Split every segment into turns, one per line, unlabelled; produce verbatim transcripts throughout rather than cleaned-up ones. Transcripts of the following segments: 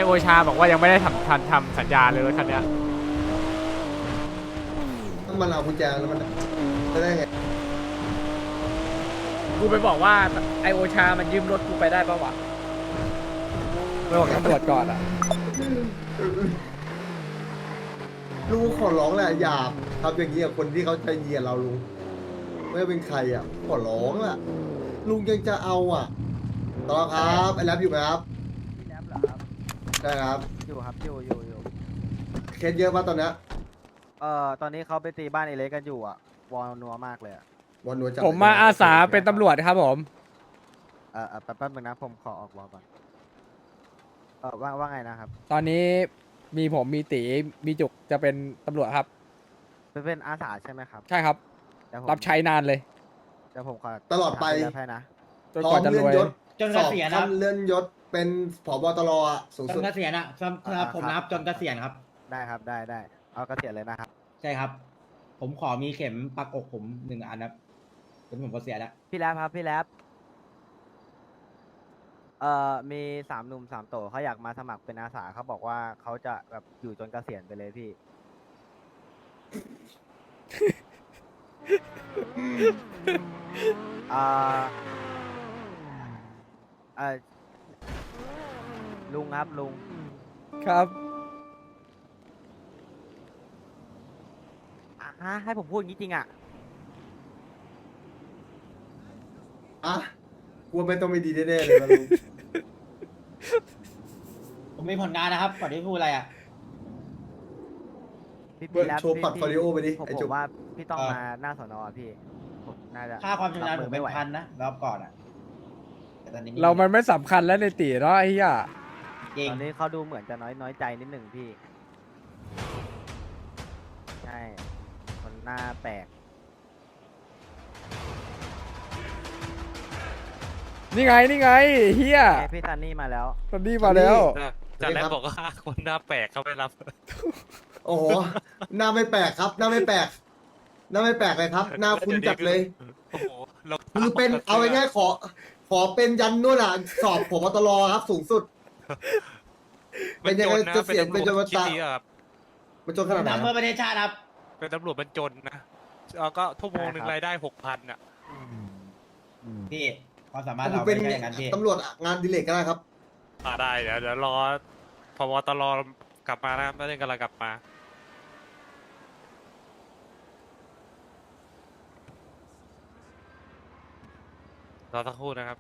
โอชาบอกว่ายังไม่ได้ทำทันทำสัญญาเลยรถคันเนี้ย
ถ้ามันเอากุญแจแล้วมันจะได้ไง
กูไปบอกว่าไอโอชามันยืมรถกูไปได้ปะวะไปบอกตำรวจก่อนอ่ะ
ลุงขอร้องแหละอย่าทำอย่างนี้กับคนที่เขาใจเยียดเราลุงไม่ว่าเป็นใครอ่ะขอร้องแหละลุงยังจะเอาอ่ะต่อครับไอ้แรปอยู่ไหมครับ
พี่แรปเหรอครับ
ได้ครับ
อยู่ครับอยู่อยู่อยู่
เคสเยอะป่ะตอนเนี้ย
เอ่อตอนนี้เขาไปตีบ้านเอเล็กกันอยู่อ่ะวอลนัวมากเลยอ่ะ
วันนัวจับ
ผมมาอาสาเป็นตำรวจครับผม
เอ่อเอ่อแป๊บแป๊บนึงนะผมขอออกวอลก่อนเออว่าว่าไงนะครับ
ตอนนี้มีผมมีตีมีจุกจะเป็นตำรวจครับ
เป็นเป็นอาสาใช่ไหมครับ
ใช่ครับ
เดี๋ยวผม
รับใช้นานเลย
เดี๋ยวผมขอ
ตลอดไป
ถามพี่แรปให้นะ
จน
พร้อก
ว่าม จะ
เลื่
ร
อน
วย
ยศ
จนเกษียณ
สอบ
ครับ
ขั้นเลื่อนยศเป็นผบตรอ่ะสูง
จ
สุด
นเกษียณอ่ะสำสำหรับผมนะครับจนเกษียณครับ
ได้ครับได้ได้เอากระเสียเลยนะครับ
ใช่ครับ ผมขอมีเข็มปักอกผมหนึ่งอันครับจนผมเกษียณแล้ว
พี่แรปครับพี่แรปเอ่อมีสามหนุ่มสามโตเขาอยากมาสมัครเป็นอาสาเขาบอกว่าเขาจะแบบอยู่จนเกษียณไปเลยพี่ อ่าเอ่อลุงครับลุง
ครับ
อ่ะฮะให้ผมพูดอย่างนี้จริงอ่ะ
อ่ะกลัวไม่ต้องไม่ดีแน่ๆเลยนะลุง
ผมมีผลงานนะครับก่อนที่พูดอะไรอ่ะ
พี่พี่แล้ว
โชว์พอร์ตโฟลิโอไปดิ
ผม
ไอ้
ผ
จุ๊บ
มว่าพี่ต้อง
เออ
มาหน้าสอนอพี่ผมน่าจะ
ค่าความชำนาญ
รับ
ผมเป็น
ไหว
พันนะรอบก่อนอ่ะแต่ตอนนี้
เรามันไม่สำคัญแล้วในตีเนาะไอ้เหี้ย
จริง
ตอนนี้เขาดูเหมือนจะน้อยน้อยใจนิดหนึ่งพี่ใช่มันหน้าแปลก
นี่ไงนี่ไงเฮีย
เอ้ยพี่ซันนี่มาแล้ว
ตอนนี้มาแล้ว
จากแรกบอกว่าคนหน้าแปลกเขาไม่รับ
โอ้โหหน้าไม่แปลกครับ หน้าไม่แปลกหน้าไม่แปลกเลยครับ หน้าคุ้นจัดเลย
โอ้โหเรา
คือเป็นเอาง่ายๆขอ ขอเป็นยันนู่นอ่ะ สอบผบตรครับสูงสุด เป็นยังไงจะเสียงเป็นจนวัน
คิด
ตา
ดีอะครับ
มันจนขนาดไหน
ทำเพื่อประเทศชาติครับ
เป็นตำรวจมันจนนะแล้วก็ทั่วโมงหนึ่งรายได้หกพันอ่ะ
พี่ความสามารถ
ผม
เรา
เป็น
ไม่ใช่อย่างนั้นพี่
ตำรวจงานดิเลกก็ได้ครับ
อ่าได้เดี๋ยวเดี๋ยวรอพบตรกลับมานะครับไม่ได้กำลังกลับมา รอสักครู่นะครับ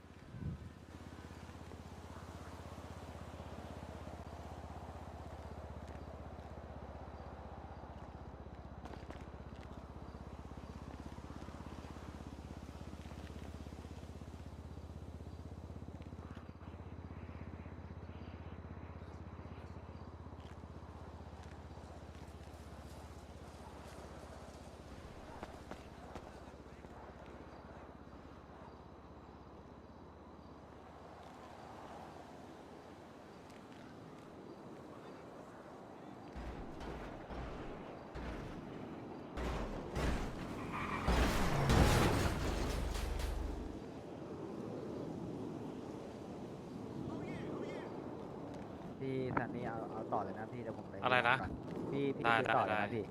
พี่ซันนี่เอาเอาต่อเลยนะพี่เดี๋ยวผมไป
อะไรนะ
ก่อนพี่พี่
ได้
คุยต่อเลย
ได้
นะพี่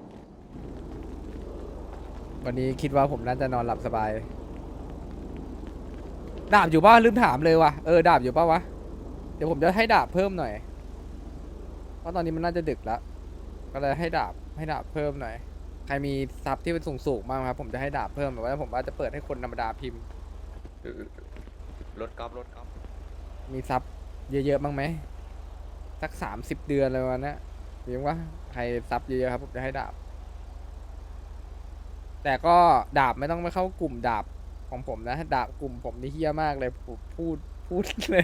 วันนี้คิดว่าผมน่าจะนอนหลับสบาย ดาบอยู่ป่ะลืมถามเลยว่ะเออดาบอยู่ป่ะวะเดี๋ยวผมจะให้ดาบเพิ่มหน่อย เพราะตอนนี้มันน่าจะดึกแล้ว ก็เลยให้ดาบให้ดาบเพิ่มหน่อย ใครมีซับที่เป็นสูงๆบ้างครับ ผมจะให้ดาบเพิ่มแบบว่าผมว่าจะเปิดให้คนธรรมดาพิมพ์
รถกอล์ฟรถกอล์ฟ
มีซับเยอะๆบ้างไหมสักสามสิบเดือนอะไรประมาณนั้นมีบ้างวะใครซับเยอะๆครับผมจะให้ดาบ แต่ก็ดาบไม่ต้องไปเข้ากลุ่มดาบของผมนะดาบกลุ่มผมนี่เฮี้ยมากเลยผมพูดพูดเลย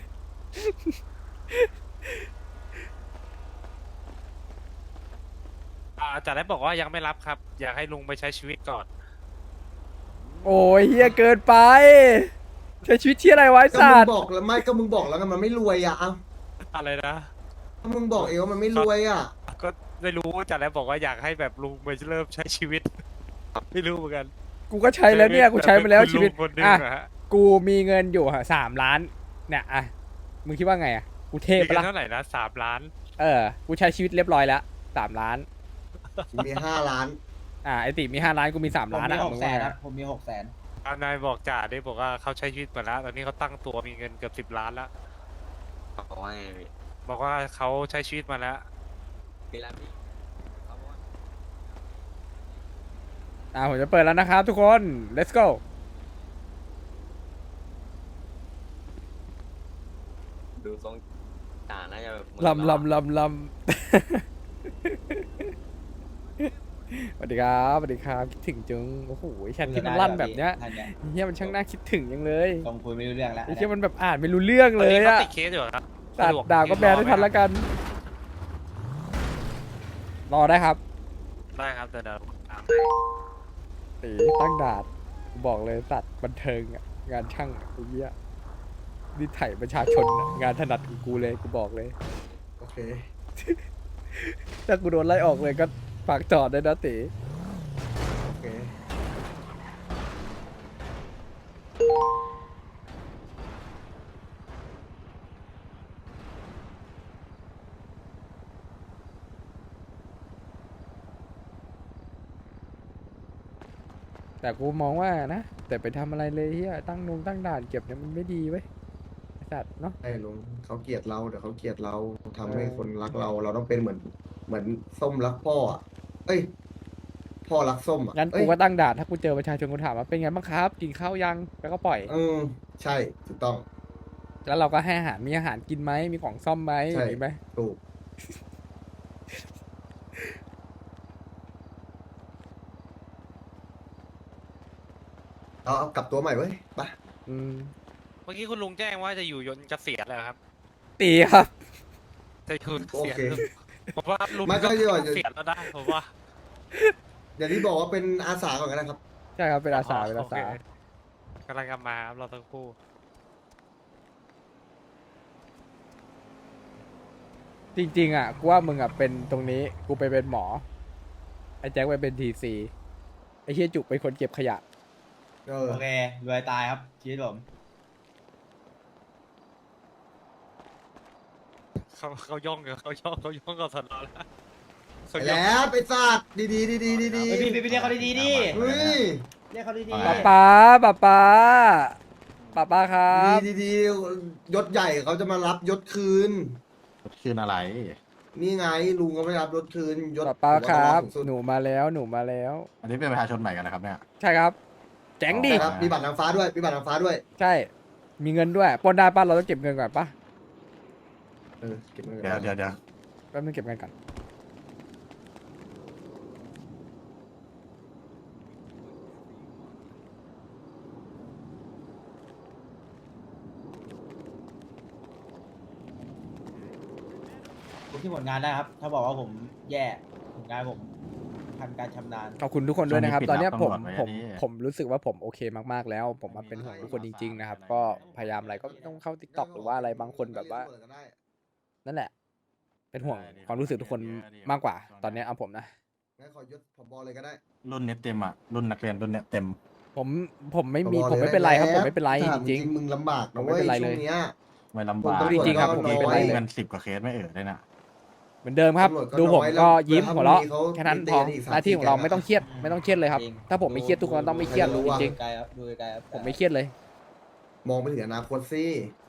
อ่าจากแรกบอกว่ายังไม่รับครับ อยากให้ลุงไปใช้ชีวิตก่อน
โอ้ยเฮี้ยเกินไปใช้ชีวิตที่อะไรไวะไอ้
ก็
สั
มึง
ตว์
บอกแล้วไม่ก็มึงบอกแล้วกันมันไม่รวยอ่ะเอ้า
อะไรนะ
ถ้ามึงบอกเองว่ามันไม่รวยอ่ะ
ก็ไม่รู้จากแรกบอกว่าอยากให้แบบลุงไปเริ่มใช้ชีวิต ไม่รู้เหมือนกัน
กูก็ใช้แล้วเนี่ยกูใช้ไปแล้วชีวิต
เป็นคุณลุงคนหนึ่ง
อ่ะ
อะฮะ
กูมีเงินอยู่สามล้านเนี่ยอ่ะมึงคิดว่าไงอ่ะกูเท
มี
ปะ
กัน
ล่ะ
เท่าไหร่นะสามล้าน
เออกูใช้ชีวิตเรียบร้อยแล้วสามล้าน
กูมีห้าล้าน
อ่าไอติมีห้าล้านกูมีสาม
ผม
ล้าน
มี
อ่ะ
หก
มึง
แส
ว่าน ไง
ครับผมมีหกแสน
เอานายบอกจ่าได้บอกว่าเขาใช้ชีวิตมาแล้ว ตอนนี้เขาตั้งตัวมีเงินเกือบสิบล้านแล้ว
บอกว่าไงพี่
บอกว่าเขาใช้ชีวิตมาแล้ว
มีร้านพี่เขาบอกว่า
อ่าผมจะเปิดแล้วนะครับทุกคน let's go
ดูทรงจ่าน่าจะแบบมือ
ลำลำลำลำ สวัสดีครับสวัสดีครับคิดถึงจุงโอ้โหแชทที่มันลั่นแบบเนี้ย
ท่านเนี่ย
เฮียมันช่างน่าคิดถึงยังเลย
ตรงคุยไม่รู้เรื่องแล้ว
ไอ้เฮียมันแบบอ่านไม่รู้เรื่องเลย
ตนนี้
อะ
เขาติดเคสอยู่เหรอครับ
ตัด
สะว
ดาวก็แบนได้ทันละกัน รอได้ครับ
ได้ครับเดี๋ยวเดี๋ยวตาม
ตีตั้งดาดกูบอกเลยสัตว์บันเทิงอะงานช่างอะไอ้เหี้ยนี่ไถ่ประชาชนอะงานถนัดของกูเลยกูบอกเลย
โอเค
ถ้ากูโดนไล่ออกเลยก็ฝากจอดด้วยนะตี
โอเค
แต่กูมองว่านะ แต่ไปทำอะไรเลยเฮียตั้งนงตั้งด่านเก็บเนี่ยมันไม่ดีเว้ยไอ้สัตว์เนาะ
ไอ้ลุงเขาเกลียดเราเดี๋ยวเขาเกลียดเราทำให้
เออ
คนรักเรา เราต้องเป็นเหมือน เหมือนส้มรักพ่ออะเอ้ย พ่อรักส้มอ่ะ
งั้น
เอ้
กู
ย
ก็ตั้งด่านถ้ากูเจอประชาชนกูถามว่าเป็นไงบ้างครับ กินข้าวยังแล้วก็ปล่อย
อืมใช่ถูกต้อง
แล้วเราก็ให้อาหารมีอาหารกินไหมมีของซ่อมไหมอ
ใช่
ย่างนี้ไหม
ถูกเอาเอากลับตัวใหม่เว้ยไป
อืม
เมื่อกี้คุณลุงแจ้งว่าจะอยู่ยนต์เกษียณแล้วครับ
ตีครับ
จะอยู่เก
โอ
ษียณ
เค
ผมว่าลุง
ไม่ก็
ก็
จะบอก
เกษียณแล้วได้ผมว่า
อย่างที่บอกว่าเป็นอาสาก่อนก็ได้ครับ
ใช่ครับเป็นอาสาเป็นอาสา
โคกำลังกลับมาครับเราทั้งคู่
จริงๆอ่ะกูว่ามึงอ่ะเป็นตรงนี้กูไปเป็นหมอไอ้แจ็คไปเป็นทีซีไอ้เฮียจุกเป็นคนเก็บขยะ
เออ
โอเครวยตายครับชีวิตผม
เขาเขาย่องกันเขาย่องเขาย่องกับสนอแล้วเขา
ไป
ย่อง
แล้วไปสัตว์ดีดีดีดีดีดี
เฮ้ยพี่พี่ไปเรียกเขาดีๆดิ
เฮ้ย
เรียกเขาดี
ป้าป้าป้าป้าป้าป้าครับ
ดีดีดียศใหญ่เขาจะมารับยศคืน
คืนอะไร
นี่ไงลุงก็ไม่รับยศคืนยศ
ป้าป้าครับ
หัวตลอดสูงสุด
หนูมาแล้วหนูมาแล้ว
อันนี้เป็นประชาชนใหม่กันนะครับเนี่ย
ใช่ครับ แจ๋งดิ
ใช่ครับมีบัตรนางฟ้าด้วยมีบัตรนางฟ้าด้วย
ใช่ มีเงินด้วยปล้นได้ป้าเราต้องเก็บเงินก่อนป้า
เออเก็บเงิน
เดี๋ยวเดี๋ยวเดี๋ยว
แป๊บนึงเก็บเงินก่อน
ผมที่ผลงานได้ครับ ถ้าบอกว่าผมแย่ผลงานผมทันการชำนาญ
ขอบคุณทุกคนด้วยนะครับ ตอนเนี้ยผม
ตำรวจไว้
ผม
อันนี้
ผมรู้สึกว่าผมโอเคมากๆแล้ว ผมมาเป็นห่วงทุกคนจริง ๆ นะครับ ก็พยายามอะไรก็ต้องเข้าทิกตอกหรือว่าอะไรบางคนแบบว่า นั่นแหละ เป็นห่วงความรู้สึกทุกคนมากกว่า ตอนเนี้ยเอาผมนะ
งั้นขอยศผบเลยก็ได้
รุ่นเน็ตเต็มอ่ะ รุ่นนักเรียนรุ่นเน็ตเต็ม
ผมผมไม่มี
ผบ
ผม
ลย
ไม่เป็นไรครับ
ด้
ผมไม่เป็นไร
ถาม
จริง
มึงลำบากนะ
ผมไม่
เว้ย
เป็นไร
ช่
เล
วย งเนี้ย
ไม่ลำบาก
ผม
จริงๆครับผมไม่เป็นไรเลย
เงินสิบกว่าเคสไม่เอ่ยได้นะ
เหมือนเดิมครับ
ตำรวจก็
ดูผม
น้อย
ก็
แล้ว
ยิ้ม
แล้ว
หัวเราะ
มีเขา
แค่นั้น
มี
พอ
เตียอีกสาม
หน้าที่ของเรา
สี่แก๊ง
ไม่ต้องเครียดไม่ต้องเครียดเลยครับ
จง
ถ้าผมไม่เครียดทุกคนต้องไม่เครียด
รู้
จ
อะ
ริง
ไกลครับดูไกลครับ
ๆผมไม่เครียดเลย
มองไปถึงอนาคตสิ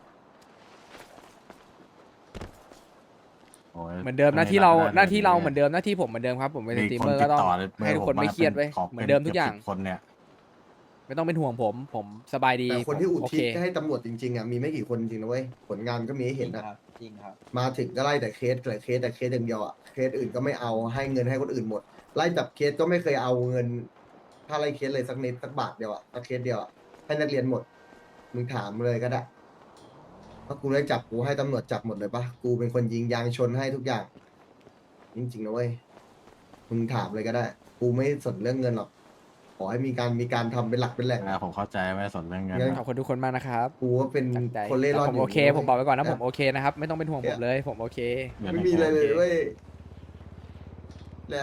โอ้ย
เหมือนเดิมหน้าที่เรา
ไม่ได้
หน้าที่เรา
ลย
เหมือนเดิมหน้าที่ผมเหมือนเดิมครับผมเป็นส
มี
ตรีม
คน
เมอร์
ติ
ก็
ด
ต้อง
ต่อเลย
ให้ทุกคนไม่เครียดไว้ย
ขอ
เหมือนเดิมทุกอย่าง
ป็นสิบคนเนี่ย
ไม่ต้องเป็นห่วงผม ผมสบายดี
แต่คนที่อุ
โอ
ทิ
เค
ศให้ตำรวจจริงๆอ่ะมีไม่กี่คนจริงนะเว้ยผลงานก็มีให้
จริ
เห็น
ง
นะครับ
จริงครับ
มาถึงก็ไล่แต่เคสแต่เคสแต่เคสอย่างเดียวอ่ะเคสอื่นก็ไม่เอาให้เงินให้คนอื่นหมด ไล่จับเคสก็ไม่เคยเอาเงิน ถ้าไล่เคสเลยสักนิดสักบาทเดียวอ่ะสักเคสเดียวอ่ะให้นักเรียนหมดมึงถามเลยก็ได้ถ้ากูได้จับกูให้ตำรวจจับหมดเลยปะกูเป็นคนยิงยางชนให้ทุกอย่าง จริงๆนะเว้ยมึงถามเลยก็ได้ กูไม่สนเรื่องเงินหรอกขอให้มีการมีการทำเป็นหลักเป็นแหล่ง
นะผมเข้าใจไม่ได้สนเรื่องเงิน
งั้น
ขอบคุณทุกคนมากนะครับ
กูก็เป็น
ตั้งใจ
คนเล่ร่อน
แต่ผม
ยู่
โอเค ผมบอกไว้ก่อนนะผมโอเคนะครับ ไม่ต้องเป็นห่วงผมเลย ผมโอเค
ไม่มีอะไรเลยเว้ยแล้ว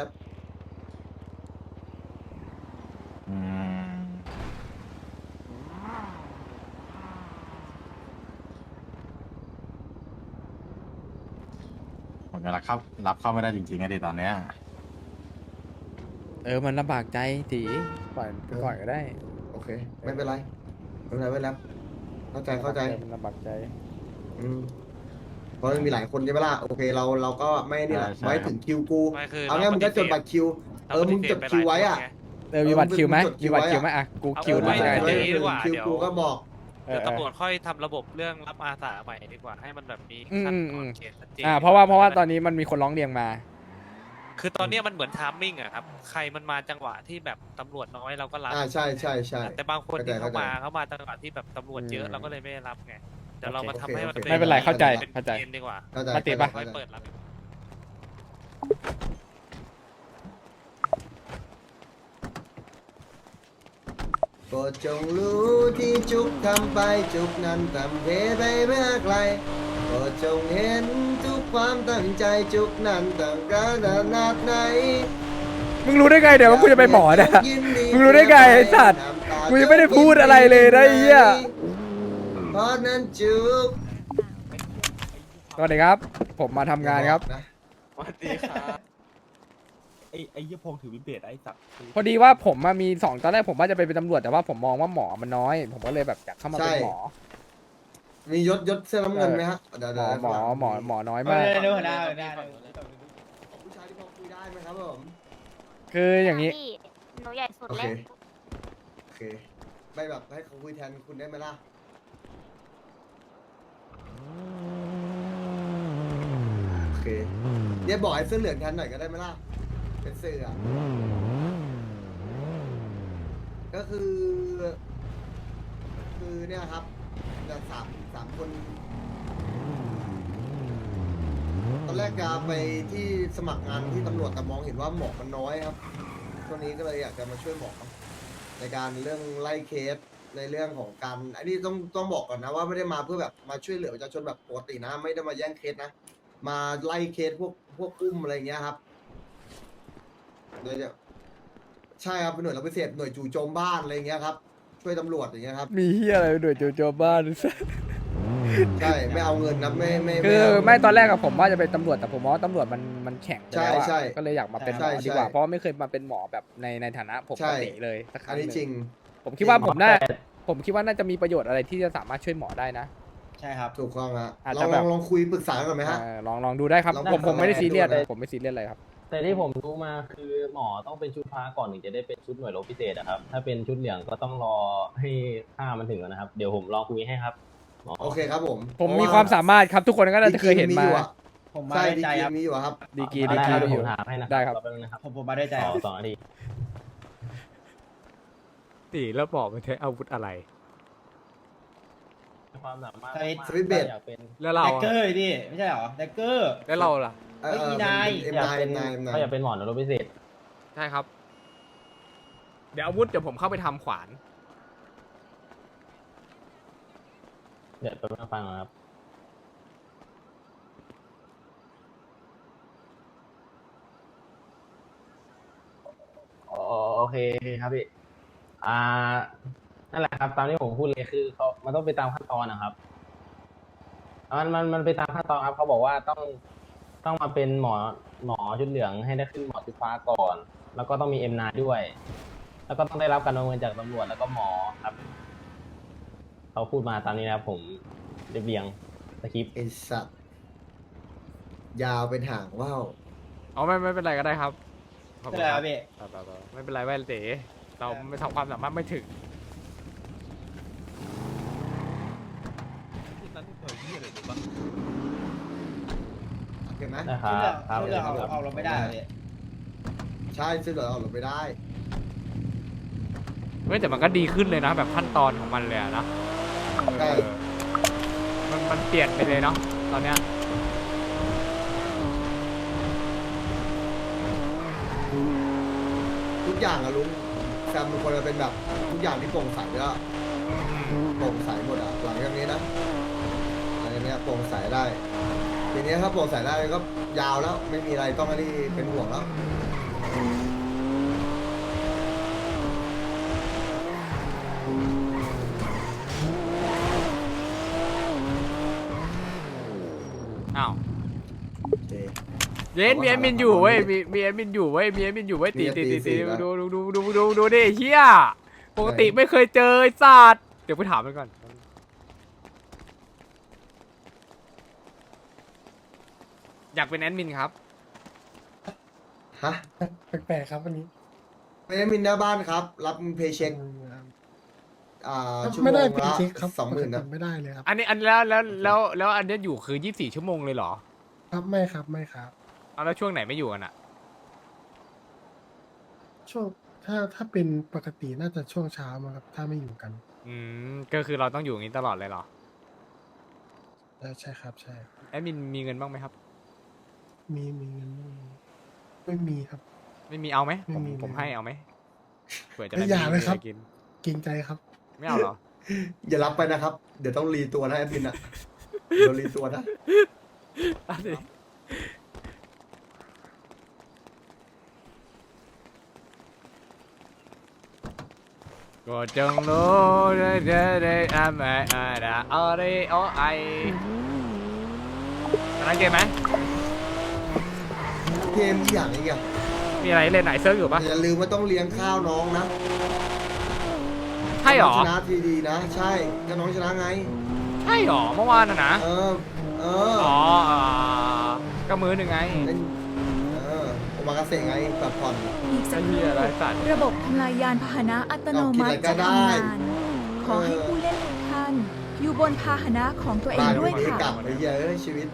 อืมผมจะรับเข้ารับเข้าไม่ได้จริงๆไงดิตอนเนี้ย
เออมันลำบากใจตีปล่อยไปก่อนก็ได้
โอเค ไม่เป็นไรไม่เป็นไรไม่แล้วเข้าใจเข้าใจ
มันลำบากใจ
อืมเพราะมันมีหลายคนใช่ไหมล่ะโอเคเราเราก็ไม่นี่แหละไว้ถึงคิวกู
ไม่คือ
เอางี้มึงก็จดบัตรคิว เออมึงจดคิวไว้อ่ะ
เออมีบัตรคิวไหม
เออมันจดคิ
มี
วไว้
บัตรคิวไหม
อะ
อ่ะกู
เอา
คิว
ไว้
ได้
เดี๋ยว
ได้
ดีกว่า
คิว
เดี๋ยว
กูก็บอก
เอ
เดี๋
อ
ยว
เออ
ตำรวจค่อยทำระบบเรื่องรับอาสาใหม่ดีกว่า ให้มันแบบมี
อืม
ขั้น
อื
ตอ
ม
นเขตชัดเจน
อ่าเพราะว่าเพราะว่าตอนนี้มันมีคนร้องเรียนมา
คือตอนเนี้ยมันเหมือนทามมิ่งอะครับ ใครมันมาจังหวะที่แบบตำรวจน้อยเราก็รับ
อ่าใช่ใช่ใช่
แต่บางคนที่
เข้า
เข้า
ใจ
มาเขามาจังหวะที่แบบตำรวจเยอะ
อืม
เราก็เลยไม่ได้รับไงเดี๋ยวเรามาทำให้มัน
โอเค
ไม่เป็นไรเข้าใจ
เป็น
เข้าใจ
เกณฑ์ดีกว่า
เข้าใจ
ปฏิปะ
ค่อย
เข้าใจ
เปิดรับ
โปรดจงรู้ที่จุกทำไปจุกนั้นทำเทไปเมื่อไกลโปรดจงเห็นทุกความตั้งใจจุกนั้นตั้งการขนาดไหน
มึงรู้ได้ไงเดี๋ยวว่ากูจะไปหมอเนี่ย
ยินดี
มึงรู้ได้ไงไอ้สัตว์
น้ำตา
กูยังไม่ได้พูดอะไรเลยนะไอ้เหี้ย
เพราะนั้นจุก
สวัสดีครับ ผมมาทำงานครับ
นะ
สวัสดีครับไอ้ไอ้ยี่พงถือวิเบตไอ้สัตว์
พอดีว่าผมมามีสองตอนแรกผมว่าจะไปเป็นตำรวจแต่ว่าผมมองว่าหมอมันน้อย ผมก็เลยแบบอยากเข้ามาเป็นหมอ
มียศยศเสื้อน้ำเงินไหมฮะเดี๋ยว
หม
เดี๋ยว
อหมอหมอหมอน้อย
เอ
มาก
อเร็วๆได้ได้ได้
ผู้ชายที่พอคุยได้ไหมครับผม
คืออย่างนี้
พี่หนูใหญ่สุด
โอ
เล
เค
ย
โอเค ไม่แบบให้เขาคุยแทนคุณได้ไหมล่ะ โอเคเดี๋ยวบอกให้เสื้อเหลืองแทนหน่อยก็ได้ไหมล่ะ เป็นเสื้ออะก็คือ คือเนี่ยครับแต่สามสามคน ตอนแรกจะไปที่สมัครงานที่ตำรวจแต่มองเห็นว่าหมอกมันน้อยครับ ช่วงนี้ก็เลยอยากจะมาช่วยหมอในการเรื่องไล่เคสในเรื่องของการอันนี้ต้องต้องบอกก่อนนะว่าไม่ได้มาเพื่อแบบมาช่วยเหลือประชาชนแบบปกตินะ ไม่ได้มาแย่งเคสนะ มาไล่เคสพวกพวกอุ้มอะไรเงี้ยครับโดยจะใช่ครับเป็นหน่วยรับพิเศษหน่วยจู่โจมบ้านอะไรเงี้ยครับ ช่วยตำรวจอย่างเงี้ยครับ
มีเฮียอะไรโดยโจโจบ้าน
ใช่ไม่เอาเงินนะไม่ไม่
คือ
เา
ไม่ตอนแรกอะผมว่าจะเป็นตำรวจแต่ผมมองว่าตำรวจมันมันแข็งไปแล้วอะ
ใช่ใช่
ก็เลยอยากมาเป็นหม
ใช่
อ
ใช่
ดีกว่าเพราะว่าไม่เคยมาเป็นหมอแบบในในฐานะผม
ใช่
ปกติเลยสักค
อั
รั้
น
งห
นี้
นึ่ง
จริง
ผมคิดว่าผมน่าผมคิดว่าน่าจะมีประโยชน์อะไรที่จะสามารถช่วยหมอได้นะ
ใช่ครับ
ถูกต้องฮะ
อาจ
ล
จะ
อง
แบ
ล
บ
องลองคุยปรึกษากันไหมฮะ
เออลองลองดูได้ครับ
ลอง
ผมผมไม่ได้
ลอง
ซีเรียส
ดูนะ
ผมไม่ซีเรียสอะไรครับ
แต่ที่ผมรู้มาคือหมอต้องเป็นชุดพระก่อนถึงจะได้เป็นชุดหน่วยรบพิเศษอะครับ ถ้าเป็นชุดเหลืองก็ต้องรอให้ค่ามันถึงก่อนนะครับ เดี๋ยวผมลองคุยให้ครับหมอ
โอเคครับผม
ผมมีความสามารถครับทุกคนก็น่าจะเคยเห็นมา
ดีกรีอยู่อะ
ผมมา
ใช่
ด้วย
ดี
ใจ
กรี
ครับ
มีอยู่อะครับ
ดีกรี
ได้
ดีกรี
ครับเดี๋ยว
อ
ผ
ยู่
มถามให้นะ
ได้ครับ
แป๊บนึงนะครับ
ผมผมมาด้วยใจ
ข
ค
อ
รับ
สองนาที
ตีแล้วบอกมันใช้อาวุธอะไร
ความสามารถ
สวิตช์
มากๆ
สวิตช์เบส
อยากเป็น
แล้วเรา
แดกเกอร์ดิไม่ใช่เหรอแดกเกอร์
แล้วเราล่ะ
เออ
เฮ้ยอีนาย
เอ็ม
อยาก
นาย
เป็
เอ็
น
มนายเอ็มนาย
เขาอยากเป็นหมอหน่วยรบพิเศษ
ใช่ครับ เดี๋ยวอาวุธเดี๋ยวผมเข้าไปทำขวาน
เดี๋ยวไปบนึงฟังก่อนครับอ๋อโอเคครับพี่อ่านั่นแหละครับ ตามที่ผมพูดเลยคือเขามันต้องไปตามขั้นตอนนะครับมันมันมันไปตามขั้นตอนครับเขาบอกว่าต้องต้องมาเป็นหมอหมอชุดเหลืองให้ได้ขึ้นหมอชุดฟ้าก่อน แล้วก็ต้องมีเอ็มนาด้วย แล้วก็ต้องได้รับการประเมินจากตำรวจแล้วก็หมอครับเขาพูดมาตามนี้นะครับผมเรียบเรียงสคริปต์
ไอสัตว์ยาวเป็นหางว่าว
อ๋อไม่ไม่เป็นไรก็ได้ครับขอบ
ไม่
คุณ
เป็นไร
ค
ค
รั
รั
บบ
พี่
ไม่เป็นไรแว่นเต๋เราไม่ทำความสามารถไม่ถึง
โอเคไหม
นะครับครับ
ชื่อเรื่องเอาเอาเราไม่ได้เหรอพี่
ใช่ซึ่งเราเอาลงไปได้
เฮ้ยแต่มันก็ดีขึ้นเลยนะ แบบขั้นตอนของมันเลยอะนะ
ใช่
เออมันมันเปลี่ยนไปเลยเนาะตอนเนี้ย
ทุกอย่างอะลุงแซมเป็นคนจะเป็นแบบทุกอย่างที่โปร่งใสแล้วโปร่งใสหมดอะหลังจากนี้นะหลังจากนี้โปร่งใสได้ทีนี้ถ้าโปร่งใสได้ก็ยาวแล้วไม่มีอะไรต้องอันนี้เป็นห่วงแล้ว
อ้าว
เจ
เย็นมีแอดมินอยู่เว้ยมีมีแอดมินอยู่เว้ยมีแอดมินอยู่เว้ยตีตีตีตีดูดูดูดูดูดูดิเฮียปกติไม่เคยเจอไอ้สัตว์เดี๋ยวไปถามมันก่อนอยากเป็นแอดมินครับ
ฮะ
แปลกๆครับวันนี้
ไม่ได้มินหน้าบ้านครับ รับเพย์เช็คอ่าชั่วโม
ไม่
ง
ได้
ละ
เป็นเช็คครับ
สองหมื่น
ปก
นะ
ติไม่ได้เลยครับ
อันนี้อันแล้วแล้วแล้วแล้วอันเนี้ยอยู่คือยี่สิบสี่ชั่วโมงเลยเหรอ
ครับไม่ครับไม่ครับ
เอาแล้วช่วงไหนไม่อยู่กันอะ
ช่วงถ้าถ้าเป็นปกติน่าจะช่วงเช้ามาครับ ถ้าไม่อยู่กัน
อืมก็คือเราต้องอยู่อย่างนี้ตลอดเลยเหรอ
เออใช่ครับใช่
แอดมินมีเงินบ้างไหมครับ
มีมีเงินไม่มีไม่มีครับ
ไม่มีเอาไหม
ไม่
ผม
มี
ผม
ไม่มี
ให้เอาไหมเผื่อจะ
ไม่
ได้
อยากเลยครับ
มีอะไกิน
เกรงใจครับ
ไม่เอาเหรอ
อย่ารับไปนะครับ เดี๋ยวต้องรีตัวนะแอดมินอ่ะเดี๋ยวรีตัวนะ
เอาดิก็จงรู้ได้ได้ได้ทำไมอะไรอะไรโอไอตอนนั้นเกมไหม
เกมอย่างอีกอ่ะ
มีอะไรเล่นไหนเซิร์ฟอยู่ปะ
อย่าลืมว่าต้องเลี้ยงข้าวน้องนะ
ใช่หรอ
น้งชนะทีดีนะ ใช่ก็น้องชนะไง
ใช่หรอเมื่อวานน่ะนะ
เออ เออ
อ๋ออ่าก็มือหนึ่งไง
เล่นเออโอมากาเสะไงแบบผ่อน
อีกสั
ไอ้
กค
เหี้
รู่
ยอะไรสัตว์
ระบบทำลายยานพาหนะอัตโนมัติ
เอาคิดอะไรก็
จะ
ได้
ทำงาน ขอให้ผู้เล่นทุกท่าน อยู่บนพาหนะของตัวเอง
บ้าน
ด้วย
ไม่ได้
ค่ะ
กลับไปเหี้ยเอ้ยชีวิต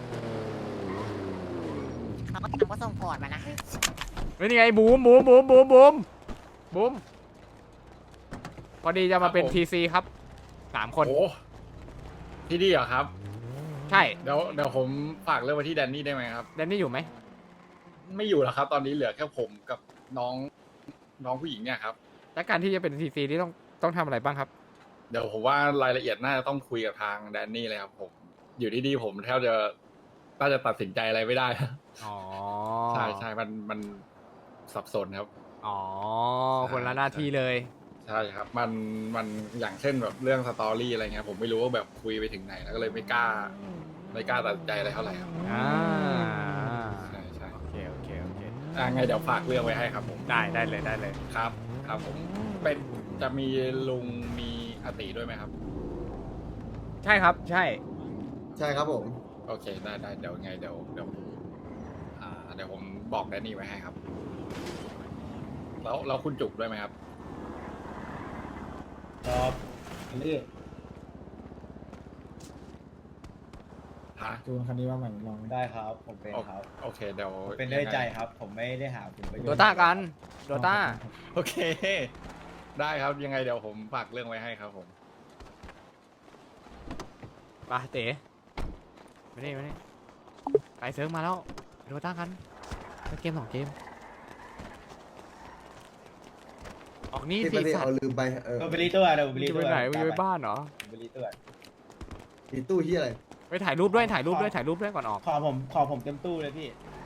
เขาก็ก็ส่งก่อนมานะ
เฮ้ยนี่ไงบูมบูมบูมบูมบูมบูมพอดีจะมาเป็นทีซีครับสามคน
โอ้พี่ดีเหรอครับ
ใช่
เดี๋ยวเดี๋ยวผมฝากเรื่องไว้ที่แดนนี่ได้ไหมครับ
แดนนี่อยู่ไหม
ไม่อยู่แล้วครับ ตอนนี้เหลือแค่ผมกับน้องน้องผู้หญิงเนี่ยครับ
และการที่จะเป็นทีซีที่ต้องต้องทำอะไรบ้างครับ
เดี๋ยวผมว่ารายละเอียดน่าจะต้องคุยกับทางแดนนี่เลยครับ ผมอยู่ดีๆผมแทบจะน่าจะตัดสินใจอะไรไม่ได้
อ๋อ
ใช่ใช่มันมันสับสนครับ
อ๋อ คนละหน้าที่เลย
ใช่ครับ มันมันอย่างเช่นแบบเรื่องสตอรี่อะไรเงี้ยผมไม่รู้ว่าแบบคุยไปถึงไหนแล้วก็เลยไม่กล้า ไม่กล้าตัดสินใจอะไรเท่าไหร่ครับ
อ่า
ใช่ใช่
โอเคโอเคโอเค
อ่าไงเดี๋ยวฝากเรื่องไว้ให้ครับผม
ได้ได้เลยได้เลย
ครับ ครับผมเป็นจะมีลุงมีอติด้วยไหมครับ
ใช่ครับ ใช่
ใช่ครับผม
โอเคได้ได้เดี๋ยวไงเดี๋ยวเดี๋ยวอ่าเดี๋ยวผมบอกแดนนี่ไว้ให้ครับ แล้วแล้วคุณจุกด้วยไหมครับ
ครับอันนี้
ฮะ
จูนคันนี้ว่าใหม่ลองได้ครับ ผมเป็นครับ
โอเคเดี๋ยว
เป็นด้วยใจครับ ผมไม่ได้หาผลประโยชน์
โดต้ากันโดต้า
โอเค ได้ครับยังไงเดี๋ยวผมฝากเรื่องไว้ให้ครับผม
ไปเต๋มานี่มานี่ไปเซิร์ฟมาแล้วโดต้ากันสักเกมสองเกม ออกนี่
ที่
สิ
ประเทศ
สัต
เอา
ว์
ลืมไปเออ
เออไปรีตัวเดี๋ยวไป
มึง
รี
จะ
ตั
ไป
ว
ไหนมึงจะไปบ้านเหรอ
ไปรีตัว
มีตู้ที่อะไร
ไปถ่ายรูปด้วยถ่ายรูปด้วยถ่ายรูปด้วยก่อนออก
ขอผมขอผมเต็มตู้เลยพี่